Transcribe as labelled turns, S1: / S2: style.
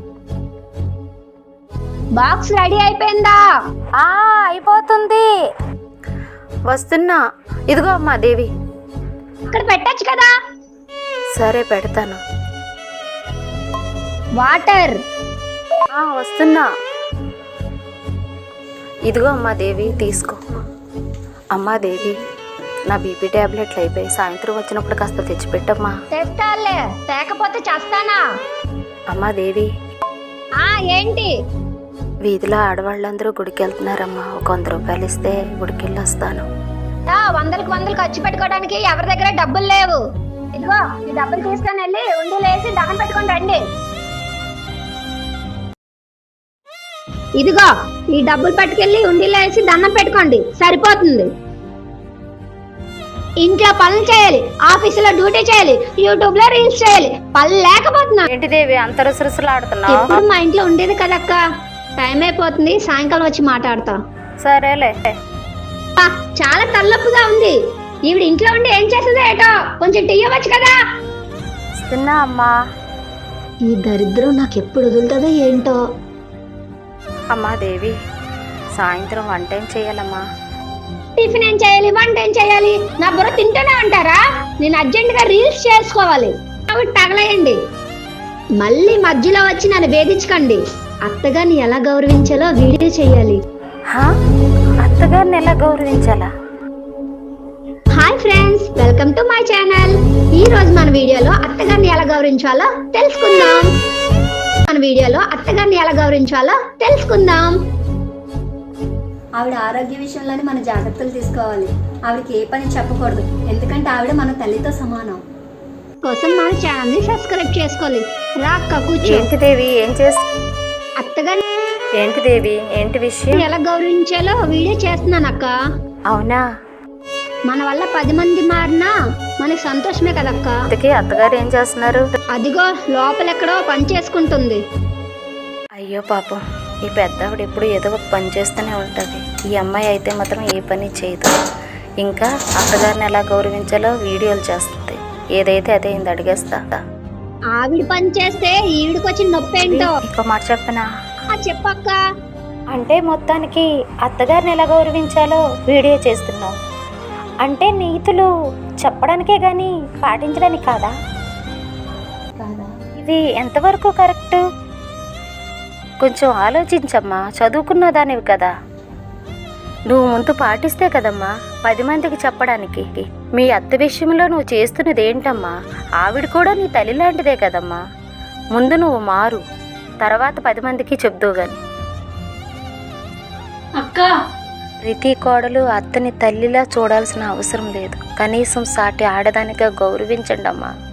S1: Box ready అయిపోయిందా?
S2: అయిపోతుంది, వస్తున్నా. ఇదిగో అమ్మా దేవి.
S1: అక్కడ పెట్టచ్చు కదా.
S2: సరే పెడతాను.
S1: వాటర్.
S2: వస్తున్నా. ఇదిగో అమ్మా దేవి, తీసుకో. అమ్మా దేవి, నా బీపీ టాబ్లెట్లు అయిపోయి, సాయంత్రం వచ్చినప్పుడు కాస్త తెచ్చిపెట్టమ్మా.
S1: తెస్తాలే, తేకపోతే చేస్తానా?
S2: అమ్మా దేవి.
S1: ఏంటి?
S2: వీధిలో ఆడవాళ్ళందరూ గుడికి వెళ్తున్నారమ్మా. ఒక 100 రూపాయలు ఇస్తే గుడికి వెళ్ళి వస్తాను.
S1: వందలకు వందలు ఖర్చు పెట్టుకోవడానికి ఎవరి దగ్గర డబ్బులు లేవు. ఇదిగో ఈ డబ్బులు తీసుకొని వెళ్ళి ఉండీలు వేసి దండం పెట్టుకొని రండి. ఇదిగో ఈ డబ్బులు పట్టుకెళ్ళి ఉండీలో వేసి దండం పెట్టుకోండి, సరిపోతుంది. ఇంట్లో పనులు చేయాలి, ఆఫీసులో డ్యూటీ చేయాలి, యూట్యూబ్ లో రీల్స్ చేయాలి. పనులు లేకపోతున్నా.
S2: ఏంటి దేవి అంత రుసరుసలాడుతున్నావు?
S1: ఇప్పుడు మా ఇంట్లో ఉండేది కదక్క. టైం అయిపోతుంది, సాయంకాలం వచ్చి మాట్లాడతా.
S2: సరేలే.
S1: చాలా తలనొప్పిగా ఉంది. ఈవిడ ఇంట్లో ఉండి ఏం చేస్తుందో ఏటో, కొంచెం టీ ఇవ్వచ్చు కదా.
S2: ఇస్తున్నా అమ్మా.
S1: ఈ దరిద్రం నాకు ఎప్పుడు వదులుతుందో ఏంటో.
S2: అమ్మా దేవి, సాయంత్రం వంట ఏం చేయాలమ్మా?
S1: టిఫిన్ ఏం చేయాలి, వంట ఏం చేయాలి? నా బుర్ర తింటూనే ఉంటారా? నేను అర్జెంట్ గా రీల్స్ చేసుకోవాలి. అవి తగలేయండి. మళ్ళీ మధ్యలో వచ్చి నన్ను వేధించకండి. అత్తగారిని ఎలా గౌరవించాలో వీడియో చేయాలి.
S2: అత్తగారిని ఎలా గౌరవించాలా?
S1: Hi friends, welcome to my channel. ఈ రోజు మన వీడియోలో అత్తగారిని ఎలా గౌరవించాలో తెలుసుకుందాం.
S3: ఆవిడ ఆరోగ్య విషయంలోనే మన జాగ్రత్తలు తీసుకోవాలి. ఆవిడకి ఏ పని చెప్పకూడదు, ఎందుకంటే ఆవిడ మన తల్లితో సమానం.
S1: కోసం మన ఛానల్ ని సబ్స్క్రైబ్ చేసుకోవాలి. రా అక్క, కూర్చో.
S2: ఏంటి దేవి, ఏం చేస్తా?
S1: అత్తగారిని
S2: ఏంటి దేవి, ఏంటి విషయం?
S1: ఎలా గౌరవించాలో వీడియో చేస్తున్నాను అక్క.
S2: అవునా?
S1: మన వల్ల 10 మంది మారినా మనకి సంతోషమే కదక్క.
S2: అందుకే అత్తగారు ఏం చేస్తున్నారు?
S1: అదిగో లోపలెక్కడో పని చేసుకుంటుంది.
S2: అయ్యో పాపం, ఈ పెద్దవిడ ఎప్పుడు ఏదో ఒక పని చేస్తూనే ఉంటుంది. ఈ అమ్మాయి అయితే మాత్రం ఏ పని చేయదు. ఇంకా అత్తగారిని ఎలా గౌరవించాలో వీడియోలు చేస్తుంది. ఏదైతే అదే ఇంత అడిగేస్తా.
S1: ఆవిడ పని చేస్తే ఈవిడికి వచ్చిన నొప్పి ఏంటో.
S2: ఇంకో మాట చెప్పనా?
S1: చెప్పక్క.
S2: అంటే మొత్తానికి అత్తగారిని ఎలా గౌరవించాలో వీడియో చేస్తున్నావు అంటే నీతులు చెప్పడానికే గాని పాటించడానికి కాదా? ఇది ఎంతవరకు కరెక్ట్? కొంచెం ఆలోచించమ్మా. చదువుకున్న దానివి కదా, నువ్వు ముందు పాటిస్తే కదమ్మా 10 మందికి చెప్పడానికి. మీ అత్త విషయంలో నువ్వు చేస్తున్నది ఏంటమ్మా? ఆవిడ కూడా నీ తల్లి లాంటిదే కదమ్మా. ముందు నువ్వు మారు, తర్వాత 10 మందికి చెప్దువు గాని.
S3: అక్క,
S2: ప్రతి కోడలు అత్తని తల్లిలా చూడాల్సిన అవసరం లేదు. కనీసం సాటి ఆడదానిగా గౌరవించండి అమ్మా.